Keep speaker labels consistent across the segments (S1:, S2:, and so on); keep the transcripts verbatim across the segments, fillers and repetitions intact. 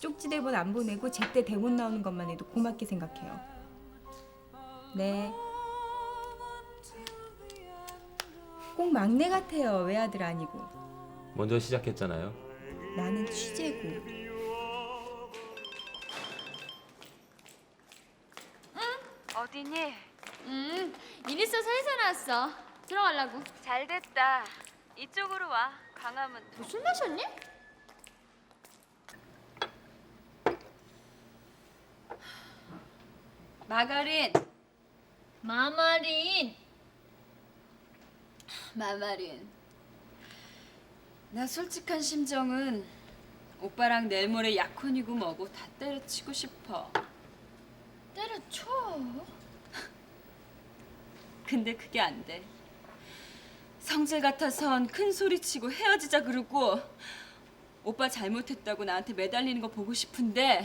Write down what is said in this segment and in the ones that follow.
S1: 쪽지 대본 안 보내고 제때 대본 나오는 것만 해도 고맙게 생각해요. 네. 꼭 막내 같아요. 외아들 아니고.
S2: 먼저 시작했잖아요.
S1: 나는 취재고.
S3: 어디니?
S4: 음, 일 있어서 회사 나왔어. 들어가려고.
S3: 잘 됐다. 이쪽으로 와. 광화문.
S4: 너 술 마셨니?
S3: 마가린.
S4: 마마린.
S3: 마마린. 나 솔직한 심정은 오빠랑 내일 모레 약혼이고 뭐고 다 때려치고 싶어.
S4: 때려쳐.
S3: 근데 그게 안 돼. 성질 같아선 큰 소리 치고 헤어지자 그러고 오빠 잘못했다고 나한테 매달리는 거 보고 싶은데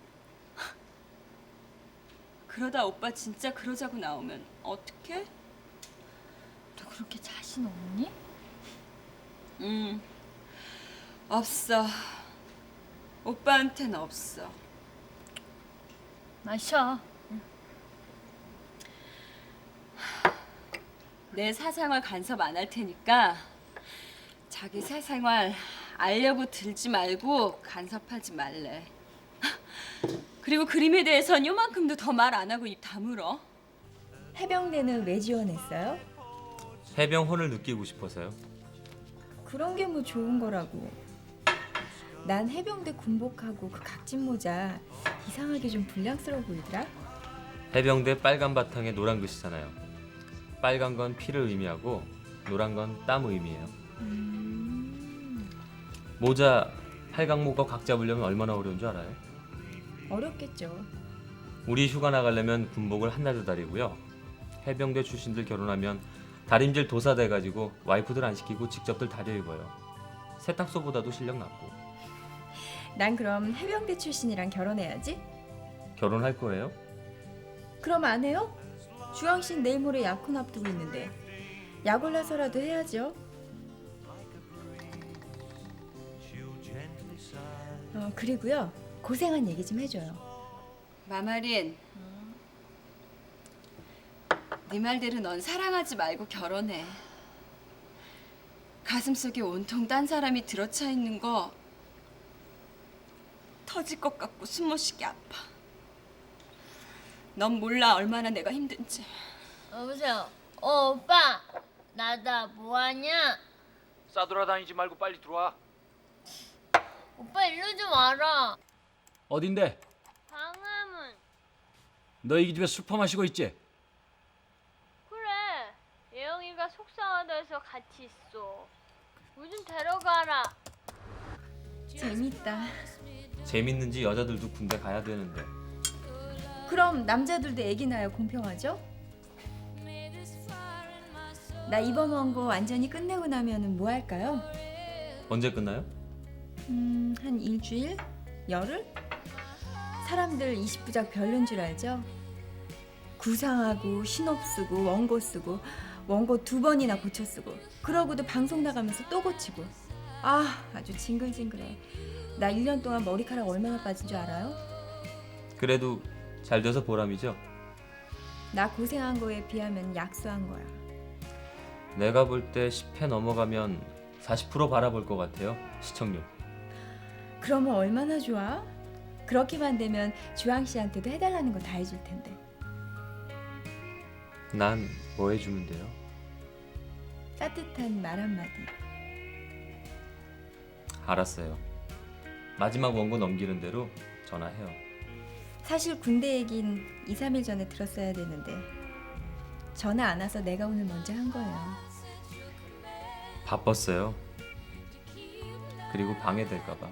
S3: 그러다 오빠 진짜 그러자고 나오면 어떡해?
S4: 너 그렇게 자신 없니?
S3: 음, 없어. 오빠한텐 없어.
S4: 마셔.
S3: 내 사생활 간섭 안 할 테니까 자기 사생활 알려고 들지 말고 간섭하지 말래. 그리고 그림에 대해선 요만큼도 더 말 안 하고 입 다물어.
S1: 해병대는 왜 지원했어요?
S2: 해병혼을 느끼고 싶어서요.
S1: 그런 게 뭐 좋은 거라고. 난 해병대 군복하고 그 각진 모자 이상하게 좀 불량스러워 보이더라.
S2: 해병대 빨간 바탕에 노란 글씨잖아요. 빨간 건 피를 의미하고 노란 건 땀 의미해요.
S1: 음...
S2: 모자 팔각모가 각 잡으려면 얼마나 어려운 줄 알아요?
S1: 어렵겠죠.
S2: 우리 휴가 나가려면 군복을 한나절 다리고요. 해병대 출신들 결혼하면 다림질 도사 돼가지고 와이프들 안 시키고 직접들 다려 입어요. 세탁소보다도 실력 낮고.
S1: 난 그럼 해병대 출신이랑 결혼해야지.
S2: 결혼할 거예요?
S1: 그럼 안 해요? 주황 씨는 내일 모레 약혼 앞두고 있는데 약 올라서라도 해야죠. 어, 그리고요. 고생한 얘기 좀 해줘요.
S3: 마마린. 네 말대로 넌 사랑하지 말고 결혼해. 가슴속에 온통 딴 사람이 들어차 있는 거 터질 것 같고 숨 못 쉬게 아파. 넌 몰라 얼마나 내가 힘든지.
S4: 여보세요. 어, 오빠. 나다 뭐하냐?
S5: 싸돌아다니지 말고 빨리 들어와.
S4: 오빠 일로 좀 와라.
S5: 어딘데?
S4: 광화문.
S5: 너 이 집에 술 퍼마시고 있지?
S4: 그래. 예영이가 속상하다 해서 같이 있어. 물 좀 데려가라.
S1: 재밌다.
S2: 재밌는지 여자들도 군대 가야 되는데.
S1: 그럼 남자들도 애기 낳아야 공평하죠? 나 이번 원고 완전히 끝내고 나면은 뭐 할까요?
S2: 언제 끝나요?
S1: 음, 한 일주일? 열흘? 사람들 이십 부작 별론 줄 알죠? 구상하고 신업 쓰고 원고 쓰고 원고 두 번이나 고쳐 쓰고 그러고도 방송 나가면서 또 고치고 아 아주 징글징글해. 나 일 년 동안 머리카락 얼마나 빠진 줄 알아요?
S2: 그래도 잘 돼서 보람이죠.
S1: 나 고생한 거에 비하면 약소한 거야.
S2: 내가 볼 때 십 회 넘어가면 사십 퍼센트 바라볼 것 같아요. 시청률.
S1: 그러면 얼마나 좋아? 그렇게만 되면 주황 씨한테도 해달라는 거 다 해줄 텐데.
S2: 난 뭐 해주면 돼요?
S1: 따뜻한 말 한마디.
S2: 알았어요. 마지막 원고 넘기는 대로 전화해요.
S1: 사실 군대 얘긴 이, 삼 일 전에 들었어야 되는데 전화 안 와서 내가 오늘 먼저 한 거예요.
S2: 바빴어요. 그리고 방해될까 봐.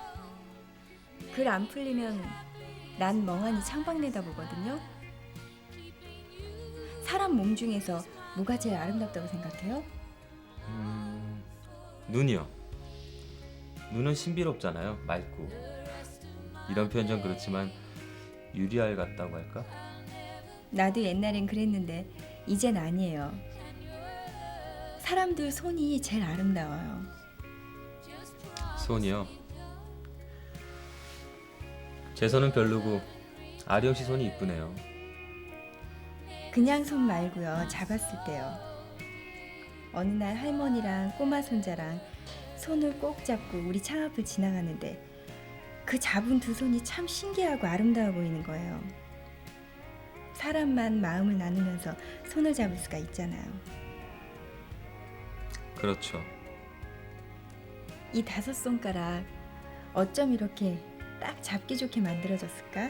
S1: 글 안 풀리면 난 멍하니 창밖 내다보거든요. 사람 몸 중에서 뭐가 제일 아름답다고 생각해요?
S2: 음... 눈이요. 눈은 신비롭잖아요. 맑고. 이런 표현 좀 그렇지만 유리알 같다고 할까?
S1: 나도 옛날엔 그랬는데 이젠 아니에요. 사람들 손이 제일 아름다워요.
S2: 손이요. 제 손은 별로고 아령 씨 손이 이쁘네요.
S1: 그냥 손 말고요. 잡았을 때요. 어느 날 할머니랑 꼬마 손자랑 손을 꼭 잡고 우리 창 앞을 지나가는데 그 잡은 두 손이 참 신기하고 아름다워 보이는 거예요. 사람만 마음을 나누면서 손을 잡을 수가 있잖아요.
S2: 그렇죠.
S1: 이 다섯 손가락 어쩜 이렇게 딱 잡기 좋게 만들어졌을까?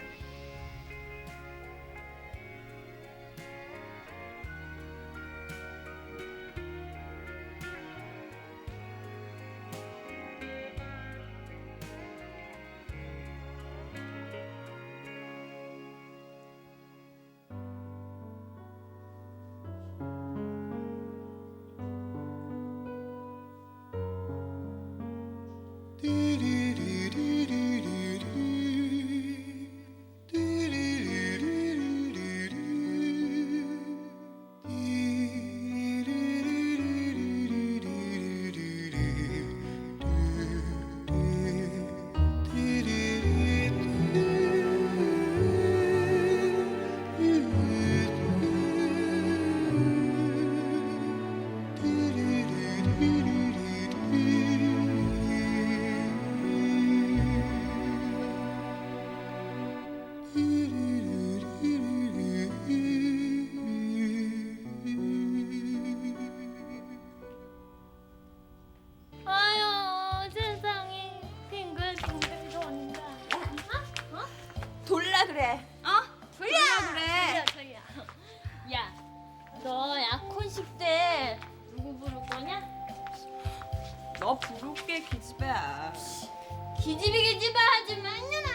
S4: 아유 세상에 빙글빙글 돈다. 어?
S3: 돌라 그래. 어? 돌려 그래.
S4: 저기야, 저기야. 야, 너 약혼식 때 누구 부를 거냐?
S3: 너 부를게 기집애야.
S4: 기집이 기집아 하지 마냐.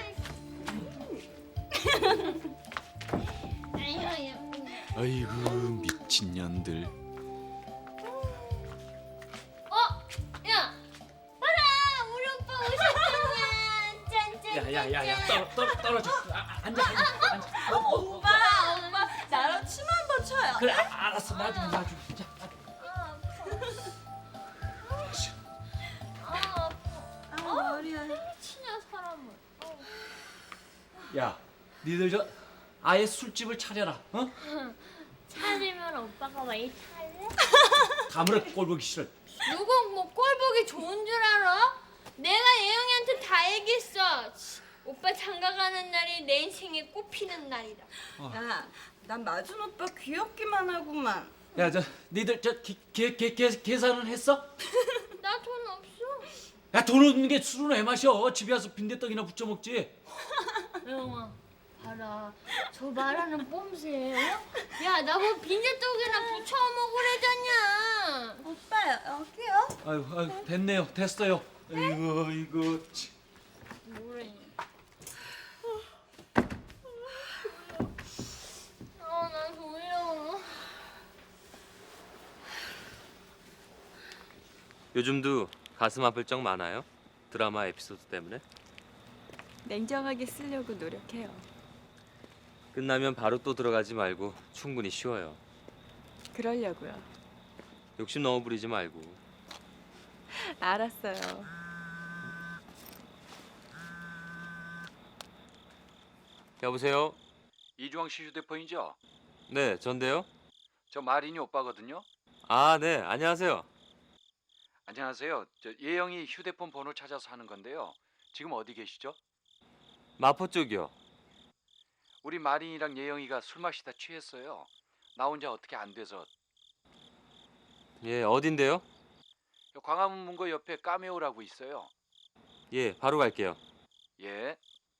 S4: 아유 예쁘네.
S5: 아이고 미친년들.
S4: 어, 야, 봐라, 우리 오빠 오셨잖냐. 짠짠.
S5: 야야야야 떨어 떨어 떨어져. 아, 앉아 앉아 앉아. 어, 어, 어.
S3: 오빠, 오빠 나랑 침 한 번 쳐요.
S5: 그래 아, 알았어 나중에 나중에. 자,
S4: 아, 아파.
S3: 아, 머리야.
S4: 치냐 사람을. 어.
S5: 야, 니들 저 아예 술집을 차려라. 어?
S4: 차리면 오빠가 왜 탈래?
S5: 가물어 꼴보기 싫어.
S4: 누구 뭐 꼴보기 좋은 줄 알아? 내가 예영이한테 다 얘기했어. 치, 오빠 장가 가는 날이 내 인생에 꽃피는 날이다.
S3: 야, 난 마준 오빠 귀엽기만 하구만.
S5: 야, 저 니들 저계계 계산은 했어?
S4: 나 돈 없어.
S5: 야, 돈 없는 게 술은 왜 마셔? 집에 와서 빈대떡이나 부쳐 먹지.
S4: 예영아, 봐라. 저 말하는 뽐새. 어? 야, 나뭐 빈대떡이나 부쳐 먹으래잖냐.
S3: 오빠 여기요?
S5: 아유, 아유, 됐네요, 됐어요. 아이고, 이거. 치.
S4: 뭐래? 아, 나 졸려.
S2: 요즘도 가슴 아플 적 많아요? 드라마 에피소드 때문에?
S1: 냉정하게 쓰려고 노력해요.
S2: 끝나면 바로 또 들어가지 말고 충분히 쉬어요.
S1: 그러려고요.
S2: 욕심 너무 부리지 말고.
S1: 알았어요.
S2: 여보세요?
S5: 이주왕 씨 휴대폰이죠?
S2: 네, 전데요?
S5: 저 마린이 오빠거든요.
S2: 아, 네, 안녕하세요.
S5: 안녕하세요. 저 예영이 휴대폰 번호 찾아서 하는 건데요. 지금 어디 계시죠?
S2: 마포 쪽이요.
S5: 우리 마린이랑 예영이가 술 마시다 취했어요. 나 혼자 어떻게 안 돼서.
S2: 예, 어딘데요?
S5: 광화문 문고 옆에 까메오라고 있어요.
S2: 예, 바로 갈게요.
S5: 예.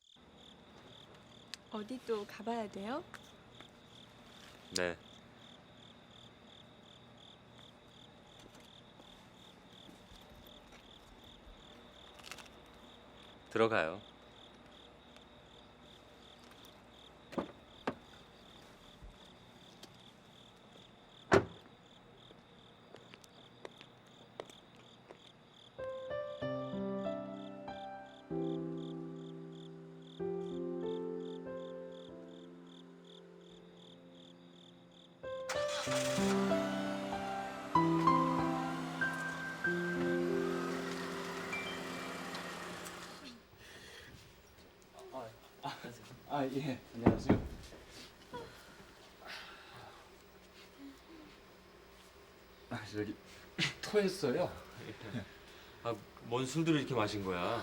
S1: 어디 또 가봐야 돼요?
S2: 네. 들어가요.
S5: 아, 예. 안녕하세요. 아, 저기 토했어요.
S2: 아, 뭔 술들을 이렇게 마신 거야?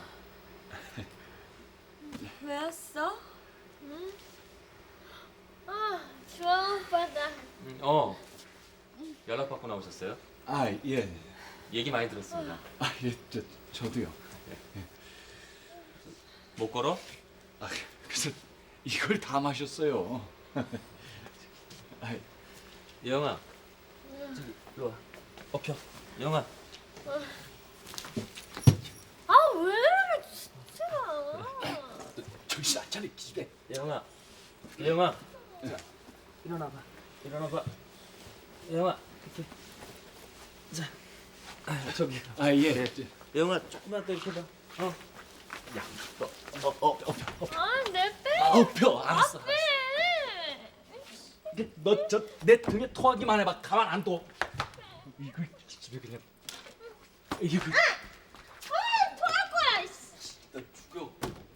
S1: 왜 왔어?
S4: 아, 좋아 오빠다.
S2: 음, 어. 연락 받고 나오셨어요?
S5: 아, 예.
S2: 얘기 많이 들었습니다.
S5: 아, 예. 저 저도요.
S2: 못 걸어?
S5: 아, 그래서 이걸 다 마셨어요. 아,
S2: 예영아. 저기 일로 와. 엎혀. 예영아.
S4: 아, 왜 이래 진짜.
S5: 정신 안 차려 기집애.
S2: 예영아. 예영아. 자, 일어나봐. 일어나봐. 예영아. 이렇게. 자. 아, 저기.
S5: 아, 예.
S2: 네.
S5: 저,
S2: 예영아, 조금만 더 이렇게 봐. 어. 야, 너, 어, 어, 엎혀. 엎혀.
S4: 아, 내 빼.
S5: 아, 엎혀. 알았어.
S4: 빼.
S5: 너 저 내 등에 토하기만 해봐. 가만 안 둬. 이거 기집애 그냥. 이거
S4: 아, 토할 거야. 이씨.
S5: 나 죽여.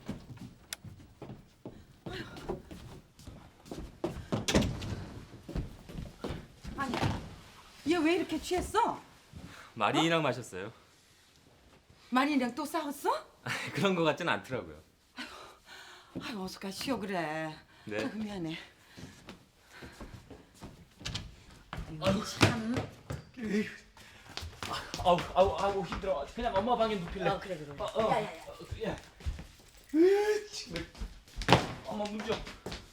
S6: 아니, 얘 왜 이렇게 취했어?
S2: 마린이랑 마셨어요.
S6: 마린이랑 또 싸웠어?
S2: 그런 거 같진 않더라고요.
S6: 아유, 어서 가 쉬어 그래.
S2: 네.
S6: 아이고, 미안해.
S5: 아우 아우 아우 힘들어. 그냥 엄마 방에 눕힐래.
S6: 어, 그래, 그래.
S5: 어, 어. 야, 야, 야. 으, 정말. 엄마 문 좀.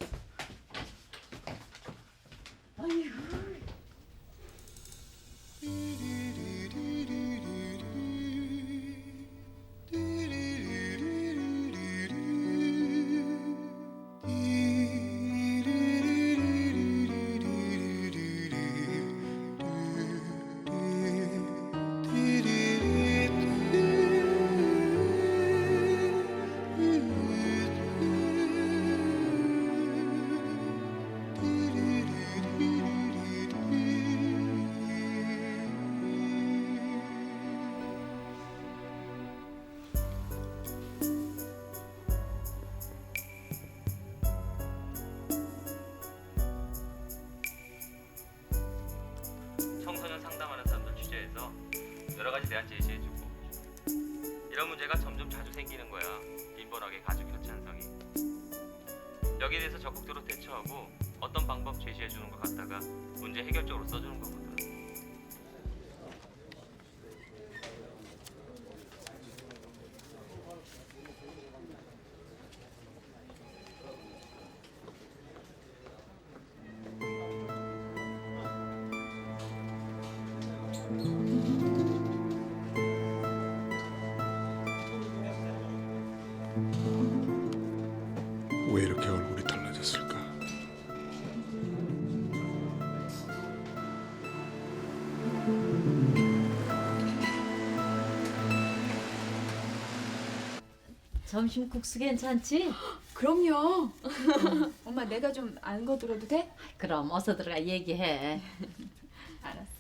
S2: 청소년 상담하는 사람들 취재해서 여러 가지 대안 제시해주고 이런 문제가 점점 자주 생기는 거야. 빈번하게 가족 교체 현상이. 여기에 대해서 적극적으로 대처하고 어떤 방법 제시해주는 것 같다가 문제 해결적으로 써주는 거거든.
S7: 왜 이렇게 얼굴이 달라졌을까?
S8: 점심 국수 괜찮지?
S1: 그럼요. 엄마 내가 좀 안 거들어도 돼?
S8: 그럼 어서 들어가 얘기해.
S1: 알았어.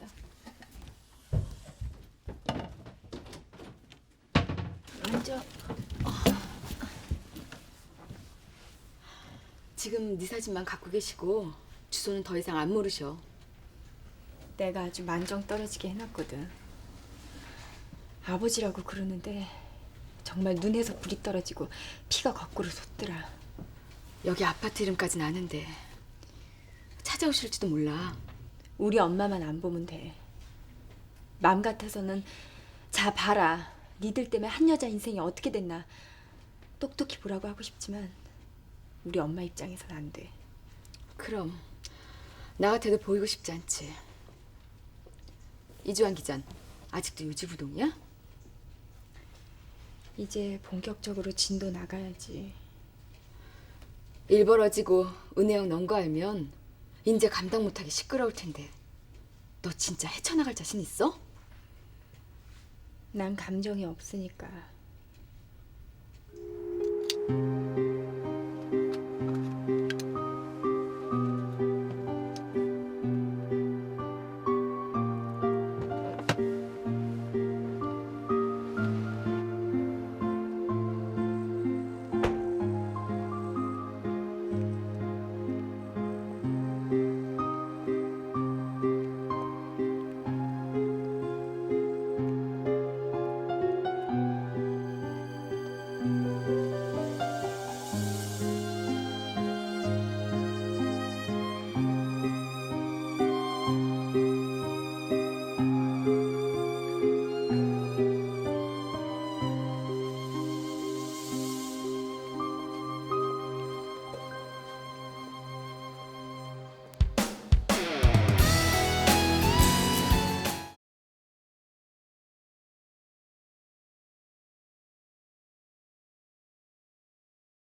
S9: 앉아. 지금 네 사진만 갖고 계시고 주소는 더 이상 안 모르셔.
S1: 내가 아주 만정 떨어지게 해놨거든. 아버지라고 그러는데 정말 눈에서 불이 떨어지고 피가 거꾸로 솟더라.
S9: 여기 아파트 이름까지는 아는데 찾아오실지도 몰라.
S1: 우리 엄마만 안 보면 돼. 맘 같아서는 자 봐라. 니들 때문에 한 여자 인생이 어떻게 됐나 똑똑히 보라고 하고 싶지만 우리 엄마 입장에선 안 돼.
S9: 그럼 나 같아도 보이고 싶지 않지. 이주환 기자는 아직도 요지부동이야?
S1: 이제 본격적으로 진도 나가야지.
S9: 일 벌어지고 은혜영 넌 거 알면 이제 감당 못하게 시끄러울 텐데 너 진짜 헤쳐나갈 자신 있어?
S1: 난 감정이 없으니까.